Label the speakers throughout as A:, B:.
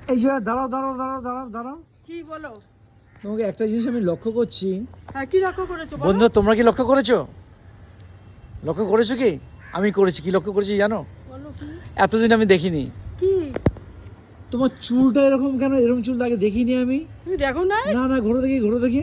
A: এই যে দাঁড়াও।
B: কি বলো?
A: তোমাকে একটা জিনিস আমি লক্ষ্য করছি।
B: হ্যাঁ, কি লক্ষ্য করেছো বলো?
C: বন্ধু, তোমরা কি লক্ষ্য করেছো? লক্ষ্য করেছো কি? আমি করেছি। কি লক্ষ্য করেছি জানো?
B: বলো কি?
C: এতদিন আমি দেখিনি।
B: কি?
A: তোমার চুলটা এরকম কেন? এরকম চুল আগে দেখিনি আমি।
B: তুমি দেখো না?
A: না, ঘোরো দেখি।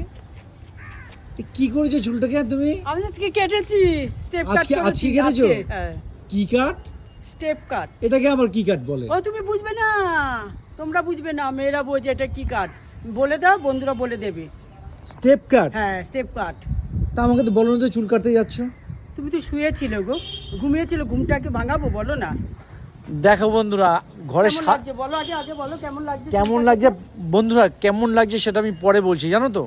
A: কি করেছো চুলটাকে তুমি?
B: আমি আজকে কেটেছি, স্টেপ কাট
A: আজকে
B: করেছি।
A: কেটেছো?
B: হ্যাঁ,
A: কি কাট?
B: স্টেপ কাট।
A: এটাকে আবার কি কাট বলে?
B: ও তুমি বুঝবে না, তোমরা বুঝবে না, মেয়েরা বোঝে এটা কি কাট। বলে দাও, বন্ধুরা বলে দেবে।
A: Step cut?
B: হ্যাঁ, স্টেপ কাট।
A: তা আমাকে তো বলো না, তো চুল কাটতে যাচ্ছ।
B: তুমি তো শুয়েছিলে গো, ঘুমিয়েছিল, ঘুমটাকে ভাঙাবো বলো না।
C: দেখো বন্ধুরা, ঘরে
B: কেমন লাগছে বলো, আগে বলো কেমন লাগছে।
C: কেমন লাগছে বন্ধুরা, কেমন লাগছে সেটা আমি পরে বলছি, জানো তো।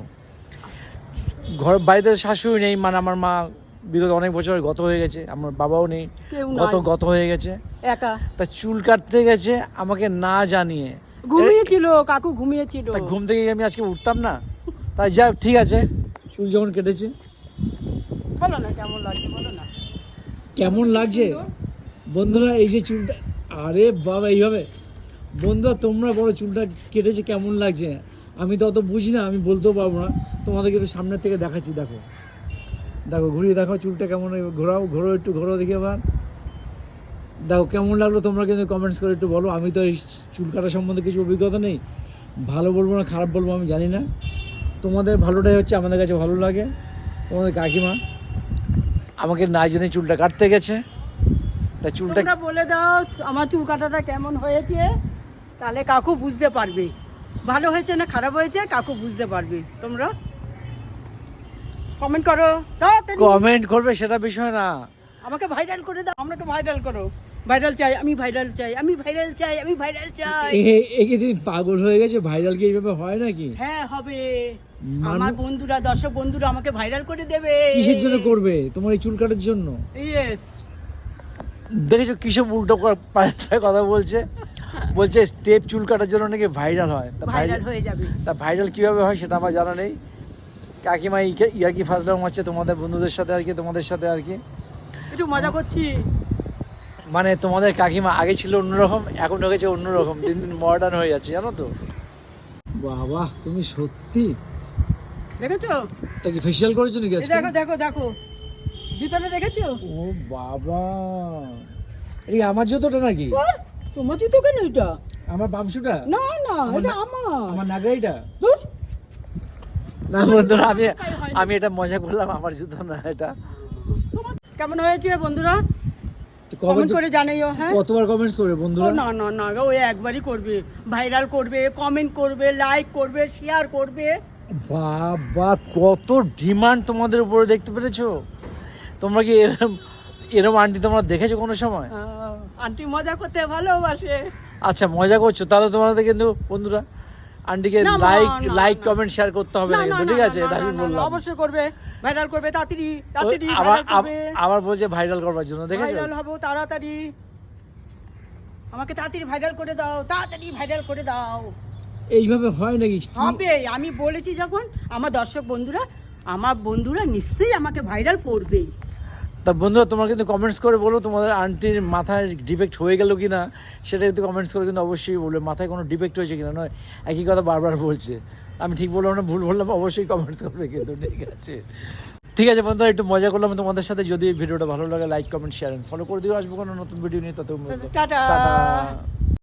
C: বাড়িতে শাশুড়ি নেই, মানে আমার মা বিগত অনেক বছর গত হয়ে গেছে, আমার বাবাও নেই,
B: কেউ নাই,
C: গত হয়ে গেছে।
B: একা।
C: তা চুল কাটতে গেছে আমাকে না জানিয়ে।
B: ঘুমিয়েছিল, কাকু ঘুমিয়েছিল।
C: তা ঘুম থেকে আমি আজকে উঠতাম না। তাই যা, ঠিক আছে।
A: চুল যখন কেটেছে
B: বলো না কেমন লাগছে, বলো না।
A: কেমন লাগছে বন্ধুরা? এই যে চুলটা, আরে বাবা, এইভাবে বন্ধুরা তোমরা বলো চুলটা কেটেছে কেমন লাগছে। আমি তো অত বুঝি না, আমি বলতেও পারবো না। তোমাদেরকে একটু সামনের থেকে দেখাচ্ছি। দেখো ঘুরিয়ে দেখো চুলটা কেমন। ঘোরো দেখি আবার। দেখো কেমন লাগলো, তোমরা কিন্তু কমেন্টস করে একটু বলো। আমি তো এই চুল কাটা সম্বন্ধে কিছু অভিজ্ঞতা নেই, ভালো বলবো না খারাপ বলবো আমি জানি না। তোমাদের ভালোটাই হচ্ছে আমাদের কাছে ভালো লাগে। তোমাদের কাকিমা
C: আমাকে না জেনে চুলটা কাটতে গেছে। তা চুলটা
B: তোমরা বলে দাও আমার চুল কাটাটা কেমন হয়েছে, তাহলে কাকু বুঝতে পারবে ভালো হয়েছে না খারাপ হয়েছে। কাকু বুঝতে পারবে। তোমরা কমেন্ট করো, তাড়াতাড়ি
C: কমেন্ট করবে সেটা বিষয় না।
B: আমাকে ভাইরাল করে দাও, আমাকে ভাইরাল করো। ভাইরাল চাই, আমি ভাইরাল চাই, আমি ভাইরাল চাই, আমি ভাইরাল চাই।
A: একে তুমি পাগল হয়ে গেছে? ভাইরাল কি এইভাবে হয় নাকি?
B: হ্যাঁ হবে। আমার বন্ধুরা, দর্শক বন্ধুরা আমাকে ভাইরাল করে দেবে।
A: কিসের জন্য করবে? তোমার এই চুল কাটার জন্য?
B: ইয়েস।
C: দেখেছো কিসব উল্টো পাল্টা কথা বলছে। স্টেপ চুল কাটার জন্য নাকি ভাইরাল হয়। তা
B: ভাইরাল হয়ে যাবে।
C: তা ভাইরাল কিভাবে হয় সেটা আমার জানা নেই। কাকিমা ইয়ার কি ফাজলাম হচ্ছে তোমাদের বন্ধুদের সাথে আর কি, তোমাদের সাথে আর কি
B: একটু মজা করছি।
C: মানে তোমাদের কাকিমা আগে ছিল অন্যরকম, এখন হয়ে গেছে অন্যরকম, দিন দিন মডার্ন হয়ে যাচ্ছে, জানো তো।
A: বাবা তুমি সত্যি।
B: দেখেছো?
A: তা কি ফেশিয়াল করেছো নাকি
B: এই
A: আজকে?
B: দেখো দেখো দেখো, জুতোটা দেখেছো?
A: ও বাবা, এই আমার জুতোটা নাকি?
B: তোমার জুতো কেন এটা?
A: আমার বামশুটা?
B: না না, এটা আমার।
A: আমার নাগাইটা?
B: ধুর।
C: না বন্ধুরা, আমি এটা মজা করলাম, আমার জুতো না এটা।
B: কেমন হয়েছে বন্ধুরা?
A: তো
B: কমেন্ট করে জানাইও। হ্যাঁ,
A: কতবার কমেন্টস করবে
B: ও
A: বন্ধুরা?
B: না না না, ওই একবারই করবে। ভাইরাল করবে, কমেন্ট করবে, লাইক করবে, শেয়ার করবে।
C: বাবা কত ডিমান্ড তোমাদের উপরে, দেখতে পেরেছো? তোমরা কি এরম আন্টি তোমরা দেখেছো কোনো সময়?
B: আন্টি মজা করতে ভালোবাসে।
C: আচ্ছা মজা করছো, তাহলে তোমাদের কিন্তু বন্ধুরা আন্টিকে
B: না,
C: লাইক কমেন্ট শেয়ার করতে হবে
B: না
C: না
B: না
C: কিন্তু, ঠিক আছে? এটা আমি বললাম।
B: অবশ্যই করবে, ভাইরাল করবে তাড়াতাড়ি তাড়াতাড়ি।
C: আবার বলছে ভাইরাল করবার জন্য, দেখেছো?
B: ভাইরাল হবো তাড়াতাড়ি। আমাকে তাড়াতাড়ি ভাইরাল করে দাও, তাড়াতাড়ি ভাইরাল করে দাও।
A: এইভাবে হয় নাকি?
B: হবে, আমি বলেছি যখন। আমার বন্ধুরা নিশ্চয়ই আমাকে ভাইরাল করবে।
C: তা বন্ধুরা তোমরা কিন্তু কমেন্টস করে বলো তোমাদের আন্টির মাথায় ডিফেক্ট হয়ে গেল কি না, সেটা কিন্তু কমেন্টস করে কিন্তু অবশ্যই বলবে। মাথায় কোনো ডিফেক্ট হয়েছে কিনা, নয় একই কথা বারবার বলছে। আমি ঠিক বললাম না ভুল বললাম, অবশ্যই কমেন্টস করবে কিন্তু, ঠিক আছে? ঠিক আছে বন্ধুরা, একটু মজা করলাম তোমাদের সাথে। যদি ভিডিওটা ভালো লাগে লাইক কমেন্ট শেয়ার ফলো করে দিও। আসবো কোনো নতুন ভিডিও নিয়ে, তত
B: টাটা।